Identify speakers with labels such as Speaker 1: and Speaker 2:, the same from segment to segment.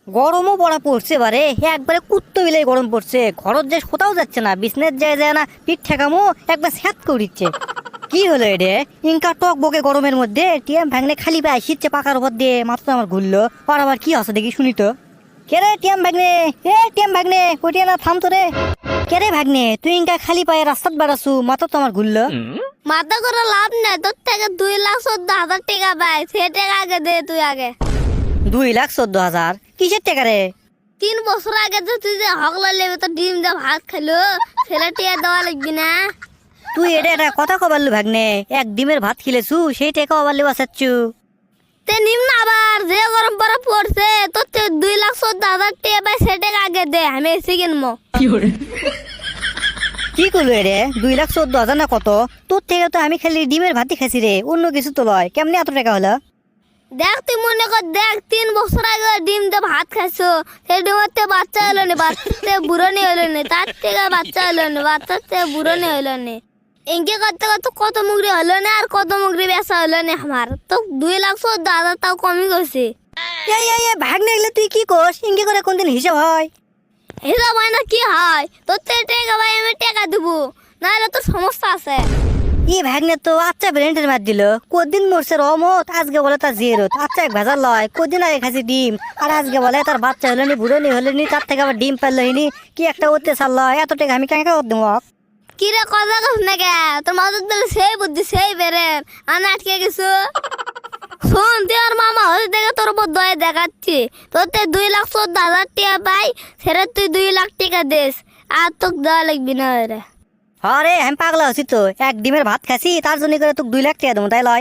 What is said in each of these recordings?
Speaker 1: গরমও পড়া পড়ছে বারে, একবারে কুত্তো বিলাই গরম পড়ছে। ঘরত যে কোথাও যাচ্ছে না, বিছনের যায় না, পিঠ ঠেকামো একবার স্যাত করে দিচ্ছে। কি হলো এডে? ইনকা টক বকে গরমের মধ্যে টিএম ভাঙনে খালি পায়ে শীতছে পাকার উপর দিয়ে, মাথা আমার ঘুরলো। আর আবার কি আছে দেখি শুনি তো। কে রে টিএম ভাগ্নে? টিএম ভাগ্নে কটিয়া না, থাম তো রে। কে রে ভাগ্নে, তুই ইনকা খালি পায়ে রাস্তাত বেড়াছু, মাথা তো আমার ঘুরলো।
Speaker 2: মাথা করে লাভ নেই, তোর থেকে 2,14,000 টাকা পাই, সে টাকা আগে দে তুই আগে।
Speaker 1: 2,14,000? কিসের টাকা রে?
Speaker 2: 3 বছর আগে তো তুই যে হকলা লেবে তো ডিম দিয়ে ভাত খাইলো, ছেলে টিয়া দেওয়া লাগবি না।
Speaker 1: তুই এটা একটা কথা কবারলু ভাগ্নে, এক ডিমের ভাত খিলেছু সেই টাকা আবার বাঁচাচ্ছু।
Speaker 2: তে নিম্ন আবার যে গরম পড়া পড়ছে, তোর থেকে 2,14,000 টাকা পাই, সে টাকা আগে দে, আমি এসে কিনবো।
Speaker 1: কি করলো রে? 2,14,000 না কত? তোর থেকে তো আমি খালি ডিমের ভাতই খাইছি রে, অন্য কিছু তো লয়। কেমনি এত টাকা হলো?
Speaker 2: দেখ তুই মনে কর, দেখ 3 বছর আগে ডিম দিয়ে ভাত খাইছো, সেই ডিমের থেকে বাচ্চা হলো নি, বাচ্চার থেকে বুড়ো নি হলো নি, তার থেকে বাচ্চা হলো নি, বাচ্চার থেকে বুড়ো নি হলো নি। ইনকে করতে করতে কত মুগরি হলো না, আর কত মুগরি বেচা হলো না আমার তো। 2,14,000 তাও কমই গেছে।
Speaker 1: ভাগ্নে এগুলো তুই কি করস? ইঙ্গি করে কোনদিন হিসাব হয়?
Speaker 2: হিসাব হয় না কি হয়? তোর থেকে টাকা ভাই আমি টাকা দেবো, নাহলে তোর সমস্যা আছে।
Speaker 1: ই ভাগ্নে তো আচ্ছা ব্রেন্ডের মার দিল। কদিন মরছে রমত, আজকে বলে তার জিরত। আচ্ছা এক ভেজাল লয়, কদিন আগে খাইছি ডিম, আর আজকে বলে তার বাচ্চা হলো নি, বুড়ো নি হলো নি, তার থেকে আবার ডিম পারলো নি। কি একটা অত্যাচার লয়, এত টাকা আমি কেন দেবো?
Speaker 2: কি রে কথা কস না কে? তোর মাথার দিলে সেই বুদ্ধি সেই বেড়ে আমি আটকে গেছো। শোন, তুই আর মামা হতে দেখে তোর উপর দয়া দেখাচ্ছি। তোর তে 2,14,000 টাকা পাই, সেটা তুই 2 লাখ টাকা দিস, আর তোকে দেওয়া লাগবি না রে।
Speaker 1: আরে আমি পাগলা হচ্ছি তো, এক ডিমের ভাত খাসি তার জন্য করে তোকে 2 লাখ টাকা দেবো, তাই লয়?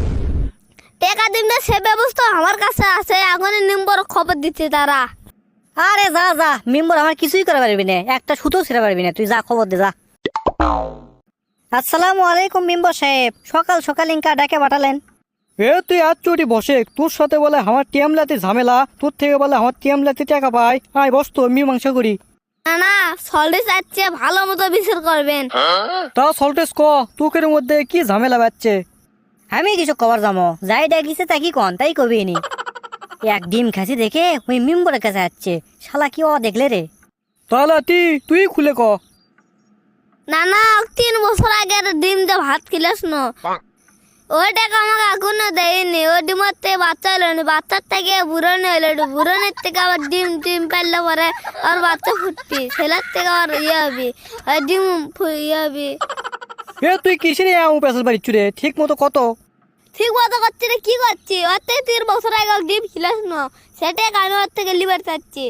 Speaker 2: টাকা দিবি সে ব্যবস্থা আমার কাছে আছে, এখন নম্বর খবর দিচ্ছে তারা।
Speaker 1: আরে যা যা, মেম্বার আমার কিছুই করে পারবি না, একটা সুতো ছেড়ে পারবি না, তুই যা খবর দে যা। আসসালামু আলাইকুম মেম্বার সাহেব, সকাল সকাল ইনকা ডাকে পাঠালেন?
Speaker 3: তুই আজ চুটি বসে, তোর সাথে বলে আমার টিয়ামলাতে ঝামেলা, তোর থেকে বলে আমার টিয়ামলাতে টাকা পাই। আয় বস তো, মীমাংসা করি।
Speaker 2: না না, সল্টে চাচ্ছে ভালো মতো বিচার করবেন।
Speaker 3: তা সল্টেস ক, তোকের মধ্যে কি ঝামেলা বাচ্ছে?
Speaker 1: আমি কিছু কবার যাবো, যাই ডাকিছে তা কি কন তাই কবি নি। এক ডিম খাসি দেখে ওই মেম্বারের কাছে যাচ্ছে, শালা কি ও দেখলে রে?
Speaker 3: তাহলে তুই খুলে ক।
Speaker 2: না না, 3 বছর আগে ডিম দিয়ে ভাত খিলাস না, ওই টাকা আমাকে এখনো দেয়নি। ওই ডিমের থেকে বাচ্চা হলো না, বাচ্চার থেকে বুড়োনি হলো, বুড়োনির থেকে আবার ডিম ডিম পারলে পরে আর বাচ্চা ফুটবি, ছেলের থেকে আর ইয়ে হবি, আর ডিম ইয়ে হবি।
Speaker 3: তুই কিসের পেশাল বাড়িচ্ছ রে? ঠিক মতো কত?
Speaker 2: ঠিক মতো করছি রে, কি করছি? ওর থেকে 3 বছর আগে ডিম খিলাস না, সেটাই আমি ওর থেকে লিবার চাচ্ছি।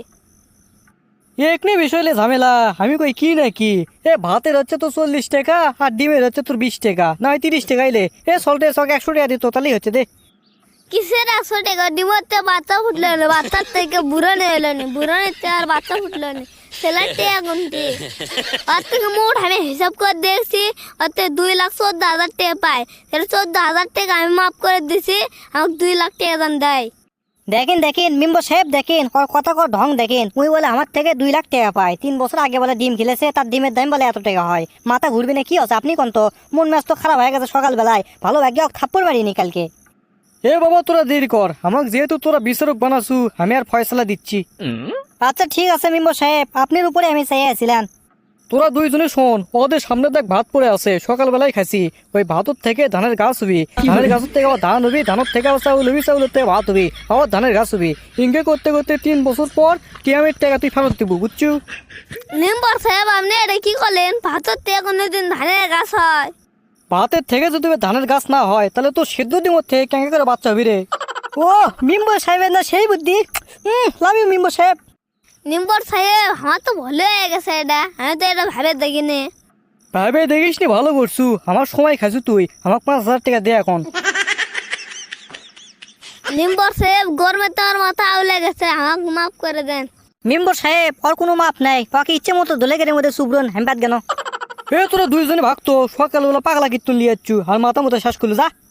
Speaker 3: একনি বিষয়লে ঝামেলা, আমি কই কি নাকি? ভাতের হচ্ছে তো 40 টাকা, আর ডিমের হচ্ছে তোর 20 টাকা, না 30 টাকা এলে সল্টেস 100 টাকা দিত, তাহলেই হচ্ছে দে।
Speaker 2: কিসের 100 টাকা? ডিমের থেকে বাচ্চা ফুটলো না, বাচ্চার থেকে বুড়োনি হলো না, বুড়োনির থেকে আর বাচ্চা ফুটলো না, ছেলের থেকে গুনতি। ওর থেকে মোট আমি হিসাব করে দেখছি, ওর থেকে 2,14,000 টাকা পাই, সেটা 14,000 টাকা আমি মাফ করে দিছি, আমাকে 2 লাখ টাকা দাম দেয়।
Speaker 1: দেখেন দেখেন মেম্বার সাহেব, দেখেন ওর কথা কর ঢং দেখেন। ওই বলে আমার থেকে 2 লাখ টাকা পায়, 3 বছর আগে বলে ডিম খেলেছে, তার ডিমের দাম বলে এত টাকা হয়। মাথা ঘুরবি না কি আছে? আপনি কোন তো মন ম্যাচ তো খারাপ হয়ে গেছে সকালবেলায়, ভালো ভাগ্যে থাপ্পড় মারিনি কালকে।
Speaker 3: বাবা তোরা দেরি কর, আমাকে যেহেতু তোরা বিচারক বানাসু, আমি আর ফয়সালা দিচ্ছি।
Speaker 1: আচ্ছা ঠিক আছে মেম্বার সাহেব, আপনার উপরে আমি চাই আছিলাম।
Speaker 3: তোরা দুইজনে শোন, ওদের সামনে দেখ ভাত পড়ে আছে, সকালবেলায় খাইছি। ওই ভাতর থেকে ধানের গাছ হবি, ধানের গাছের থেকে আবার ধান হবি, ধানের থেকে আবার চাউল হবি, চাউলের থেকে ভাত হবি, আবার ধানের গাছ হবি। ইনকে করতে করতে 3 বছর পর টিয়ামের টাকা তুই ফেরত দিব, বুঝছু?
Speaker 2: মেম্বার সাহেব, আপনি এটা কি করলেন? ভাতের থেকে কোনোদিন ধানের গাছ হয়?
Speaker 3: ভাতের থেকে যদি ধানের গাছ না হয়, তাহলে তো সেদ্ধ ডিমের থেকে কেঙ্গে করে বাচ্চা হবি রে।
Speaker 1: ও মেম্বার সাহেবের না সেই বুদ্ধি। লাভ ইউ মেম্বার সাহেব।
Speaker 2: মেম্বার সাহেব, আমার তো ভালো হয়ে গেছে এটা, আমি তো এটা ভাবে দেখিনি।
Speaker 3: ভাবে দেখিস নি, ভালো করছু। আমার সময় খাইছু তুই, আমাকে 5,000 টাকা দে এখন।
Speaker 2: মেম্বার সাহেব, গরমে তো আমার মাথা আউলে গেছে, আমাকে মাফ করে দেন।
Speaker 1: মেম্বার সাহেব ওর কোনো মাপ নাই, ওকে ইচ্ছে মতো দোলে গেলে মধ্যে সুব্রন হেমপাত গেল।
Speaker 3: তোরা দুইজনে ভাগতো, সকালবেলা পাগলা কীর্তন লিয়ে যাচ্ছু, আর মাথা মতো শ্বাস করলো যা।